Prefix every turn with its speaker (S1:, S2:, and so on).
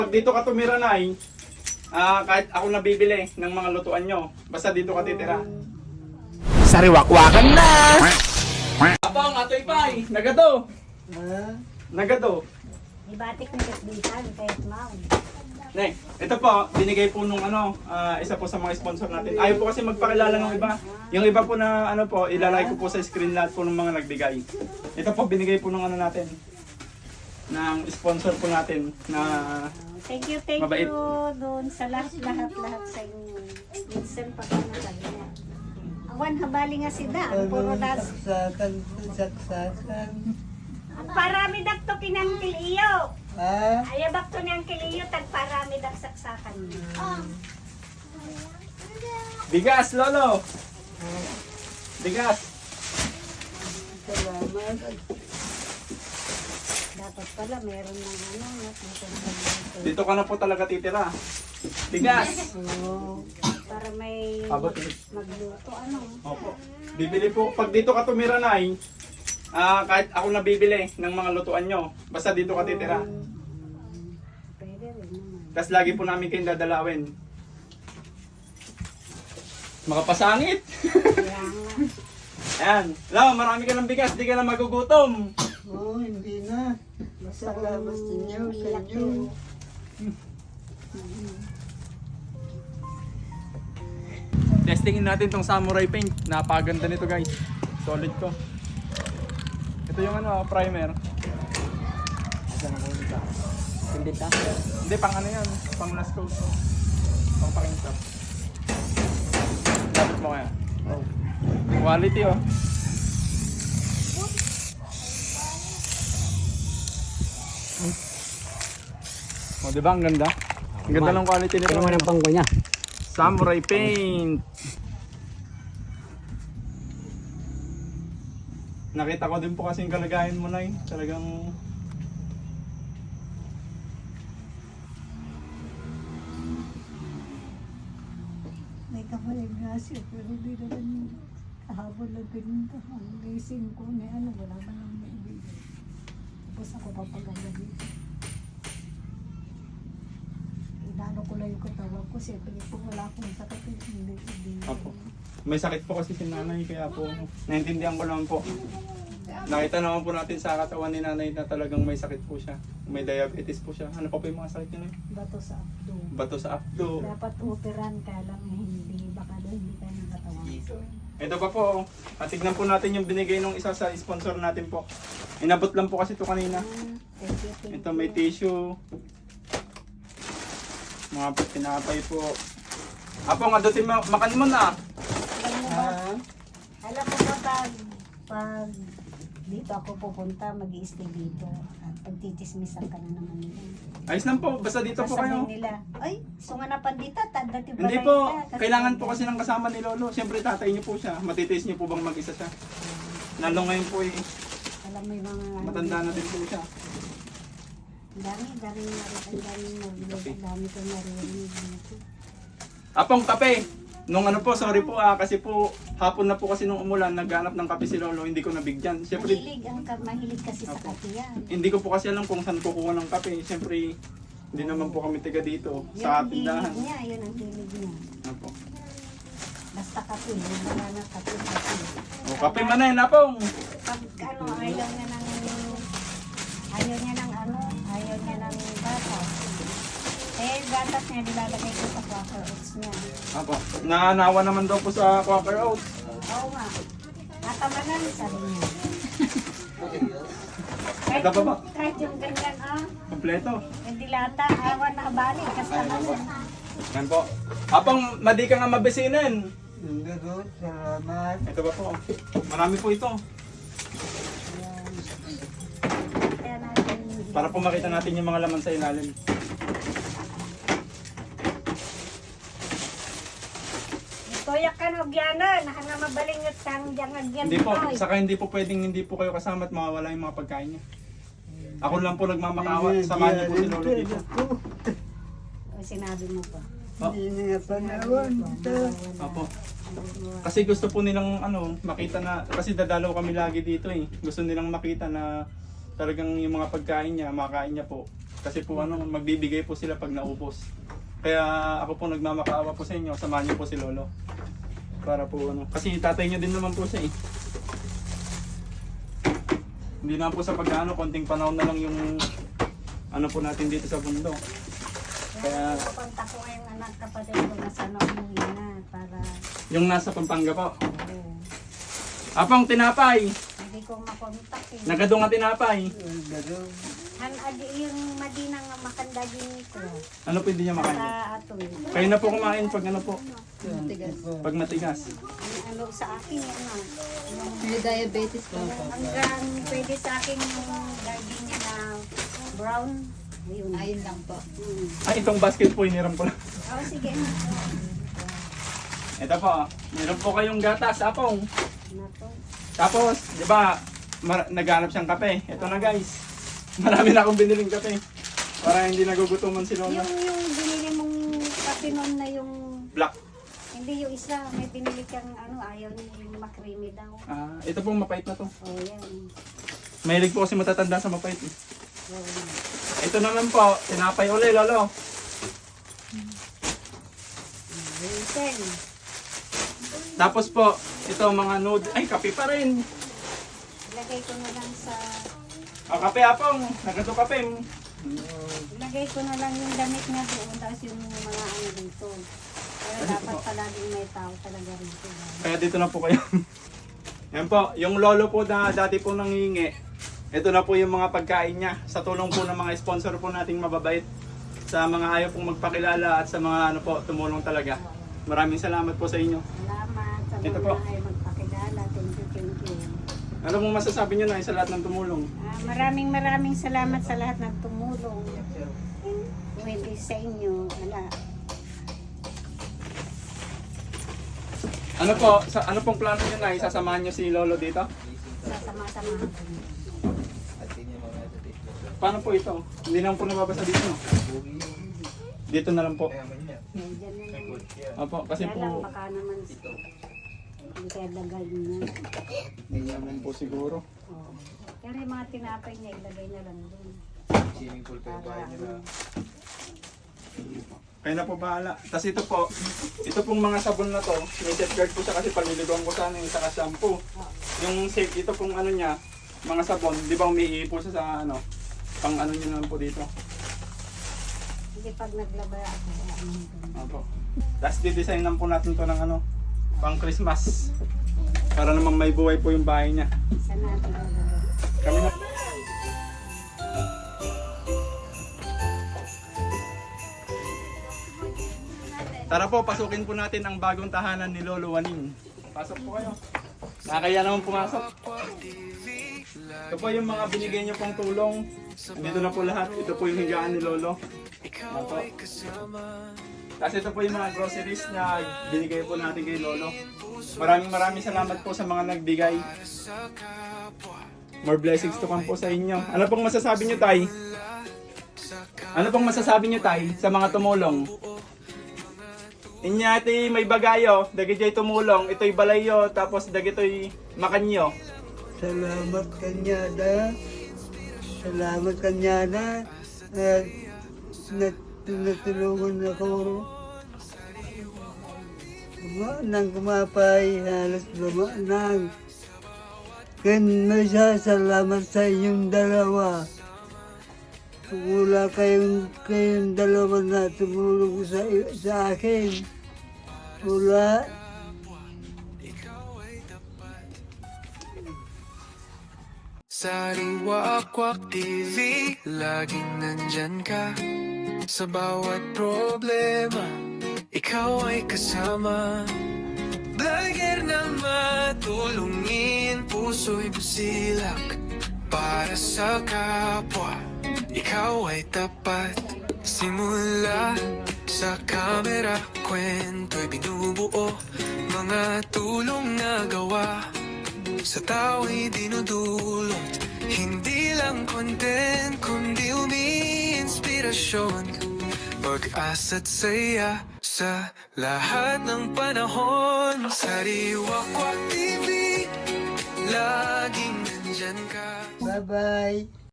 S1: Pag dito ka tumira na kahit ako nabibili ng mga lutuan nyo, basta dito ka titira.
S2: Sariwakwakan na!
S1: Abang, atoy pay, nagado. Nagado.
S3: Ibatik na kasbitan kahit mao.
S1: Ne, ito po, binigay po nung isa po sa mga sponsor natin. Ayaw po kasi magpakilala ng iba. Yung iba po na po, ilalagay ko po sa screen lahat po ng mga nagbigay. Ito po, binigay po nung natin. Ng sponsor po natin na
S3: Thank you
S1: mabait.
S3: doon sa lahat sa inyo. Minsan pa ka na sabi niya. Awan habali nga si Da, ang puro das.
S4: Saksakan.
S3: Parami dak to kinangkil iyo.
S4: Ah,
S3: Ayabak to niyang kiliyo, tagparami dak saksakan.
S1: bigas, lolo. Bigas.
S4: salamat.
S3: Dapat pala meron ng
S1: Dito ka na po talaga titira. Bigas.
S4: Oo.
S3: para may
S1: Abot.
S3: magluto
S1: Opo. Bibili po, pag dito ka tumira na kahit ako nabibili ng mga lutuan nyo, basta dito ka titira.
S3: Pwede rin naman.
S1: Tapos lagi po namin kayong dadalawin. Makapasangit!
S3: Kaya nga.
S1: Ayan. Alam, marami ka ng bigas, di ka na magugutom.
S4: Oo, hindi na. Salamat sa inyo, sa inyo.
S1: Testingin natin tong samurai paint. Napaganda nito guys. Solid to. Ito yung primer.
S4: Hindi ta.
S1: Hindi, pang yan. Pang last coat. Pang pakinsap. Dapat mo kaya.
S4: Oh.
S1: Quality oh. O diba ang ganda? Ang ganda ng quality nito.
S4: Ano ang pangko niya?
S1: Samurai paint. Nakita ko din po kasi yung kalagayan mo na talagang
S3: May kapaligasi pero di naman kahapon lang pinunta. Ang gising ko may wala ba nang maibigay. Tapos ako papagalabi. Inano ko lang yung katawan ko. Siyempre po wala akong sakit. Hindi.
S1: Apo. May sakit po kasi si nanay kaya po naintindihan ko naman po. Nakita naman po natin sa katawan ni nanay na talagang may sakit po siya. May diabetes po siya. Ano pa po yung mga sakit niya?
S3: Bato sa abdo.
S1: Bato sa abdo.
S3: Dapat operan ka lang hindi. Baka daw hindi tayo nakatawan.
S1: Ito pa po, tignan po natin yung binigay ng isa sa sponsor natin po. Inabot lang po kasi ito kanina.
S3: Thank you.
S1: Ito may tissue. Mga pinapay po. Apo, nga doon makan mo na.
S3: Alam mo ba pag dito ako pupunta, mag-i-stay dito. At pagtitismisan ka na naman nila.
S1: Ayos lang po, basta dito po kayo.
S3: Sasabihin nila, ay, sunga na pandita, dati
S1: Hindi po, kailangan po kasi ng kasama ni Lolo. Siyempre tatay niyo po siya. Matitiis niyo po bang mag-isa siya? Lalo ngayon po
S3: Alam mo yung mga...
S1: matanda na din po siya.
S3: Ang dami ko narinig dito.
S1: Apong kape! Nung sorry po kasi po hapon na po kasi nung umulan, naghanap ng kape si Lolo, hindi ko nabigyan. Siyempre,
S3: Mahilig kasi sa
S1: Opo.
S3: kape yan.
S1: hindi ko po kasi alam kung saan kukuha ng kape. Siyempre, hindi naman po kami tiga dito
S3: Yun
S1: sa
S3: ang hilig
S1: tindahan.
S3: niya, yun ang hilig niya.
S1: Apo.
S3: Basta kape, wala na kape.
S1: O, kape man na yun, Apong!
S3: Pag ayaw niya ng gatas. Eh, gatas niya nilalagay ko sa Quaker Oats niya.
S1: Apo. Nanawa naman daw po sa Quaker Oats.
S3: Oo nga. Natamanan, sabi niya.
S1: Ito pa ba?
S3: Kahit yung ganyan,
S1: Kompleto.
S3: yung dilata, awan na balik. Kasi naman.
S1: Yan po. Apong, madi ka nga mabisinin.
S4: Hindi ko, salamat.
S1: Ito ba po? Marami po ito.
S3: Kaya natin.
S1: Para po makita natin yung mga laman sa ilalim.
S3: Toyak ka no, Giana. Nakanga mabalingot sang jangagyan.
S1: Hindi po, saka hindi po pwedeng hindi po kayo kasama at mawawala yung mga pagkain niya. Ako lang po nagmamakaawa, samahan niyo po si Lolo dito.
S3: Sinabi mo pa.
S4: Hindi nga panawan.
S1: Opo. Kasi gusto po nilang makita na, kasi dadalaw kami lagi dito eh. Gusto nilang makita na talagang yung mga pagkain niya, makain niya po. Kasi po magbibigay po sila pag naubos. Kaya ako po nagmamakaawa po sa inyo, samahan niyo po si Lolo. Para po kasi tatay niyo din naman po siya eh. Hindi na po sa pag-ano, konting panahon na lang yung po natin dito sa bundok. Kaya
S3: Pupunta ko ngayong anak kapatid ko na sana umuwi na para
S1: yung nasa Pampanga po.
S3: oo,
S1: Apang tinapay,
S3: hindi ko makontak eh.
S1: nagado nga tinapay.
S3: Yung Madina nga makanda din ko.
S1: Ano po hindi niya makain?
S3: Sa aton.
S1: Kayo na po kumain pag po, pag matigas.
S3: Ano sa akin yung
S5: May diabetes pa.
S3: hanggang pwede sa akin yung gardenia na brown. Ayun.
S5: Ayun lang po.
S1: Ay, itong basket po, iniram ko lang.
S3: Oh, sige.
S1: Ito po, meron po kayong gatas, apong.
S3: Nato.
S1: Tapos, di ba, naghanap siyang kape. Ito na guys. Marami na akong biniling kape. Para hindi nagugutuman si Lola.
S3: Yung binili mong kape noon na yung
S1: Black.
S3: hindi yung isa, may binili kang ayaw niya yung makrimi daw.
S1: Ito pong mapait na to.
S3: Oh, yan.
S1: Mahilig po kasi matatanda sa mapait. Eh.
S3: Oh.
S1: Ito naman po, tinapay uli, Lolo.
S3: Vincent.
S1: Tapos po, ito mga nude. Ay, kape pa rin.
S3: Ilagay ko na lang sa
S1: Kape apong. Nagato kape.
S3: ilagay ko na lang yung damit niya doon tapos yung mga dito. Pero dapat palaging may tao talaga rito.
S1: Kaya dito na po kayo. Yan po, yung lolo po na dati po nangingi. Ito na po yung mga pagkain niya. Sa tulong po ng mga sponsor po nating mababait. Sa mga ayaw pong magpakilala at sa mga tumulong talaga. Maraming salamat po sa inyo.
S3: Salamat sa
S1: Ito
S3: mga
S1: po.
S3: ay magpakilala. Thank you, thank you.
S1: Ano pong masasabi niyo na sa lahat ng tumulong?
S3: Maraming salamat sa lahat ng tumulong. Kung hindi sa inyo, wala.
S1: Ano po, ano pong plano niyo na isasamahan niyo si Lolo dito?
S3: Sasama-samahan ko.
S1: Paano po ito? Hindi naman po nababasa dito. No? Dito na lang po.
S3: Diyan na lang.
S1: Opo, kasi
S3: Kaya lang,
S1: po,
S3: baka naman hindi kaya dagal niya.
S1: hindi naman po siguro.
S3: Oo. Pero yung mga tinapay niya, ilagay na lang doon. Para
S1: Kaya na po bahala. Tapos ito pong mga sabon na to, may safeguard po siya kasi paliliguan ko sana yung saka shampoo. Yung safe, ito pong niya, mga sabon, di ba umiihi po siya sa pang niya naman po dito.
S3: hindi pag naglaba ako.
S1: Opo. Tapos didesignan po natin to ng pang Christmas. Para naman may buhay po yung bahay niya.
S3: Saan natin lalagay?
S1: Kami na. Tara po, pasukin po natin ang bagong tahanan ni Lolo Waning. Pasok po kayo. Nakakaya naman pumasok. Ito po yung mga binigay niyo pong tulong. Dito na po lahat. Ito po yung higaan ni Lolo. Ito. Tapos ito po yung mga groceries na binigay po natin kay Lolo. Maraming salamat po sa mga nagbigay. More blessings to come po sa inyo. Ano pong masasabi niyo, Tay? Ano pong masasabi niyo, Tay, sa mga tumulong? Inyati may bagayo, dagito'y tumulong, ito'y balayo, tapos dagito'y makanyo.
S4: Salamat kanyada. Salamat kanyada. At natulungan ako. Nang kumapay, halos nang. Kaya salamat sa inyong dalawa. Wala kayong dalawa na tumulong sa akin. Wala.
S6: Sariwa-Kwak TV, laging nandyan ka. Sa bawat problema, ikaw ay kasama. Vlogger na matulungin, puso'y busilak. Para sa kapwa, ikaw ay tapat. Simula sa kamera, kwento'y binubuo. Mga tulong na gawa, sa tao'y dinudulot. Hindi lang content, kundi umi-inspirasyon. Pag-asa't saya sa lahat ng panahon. Sariwa-Kwak TV, laging nandyan ka.
S4: Bye-bye.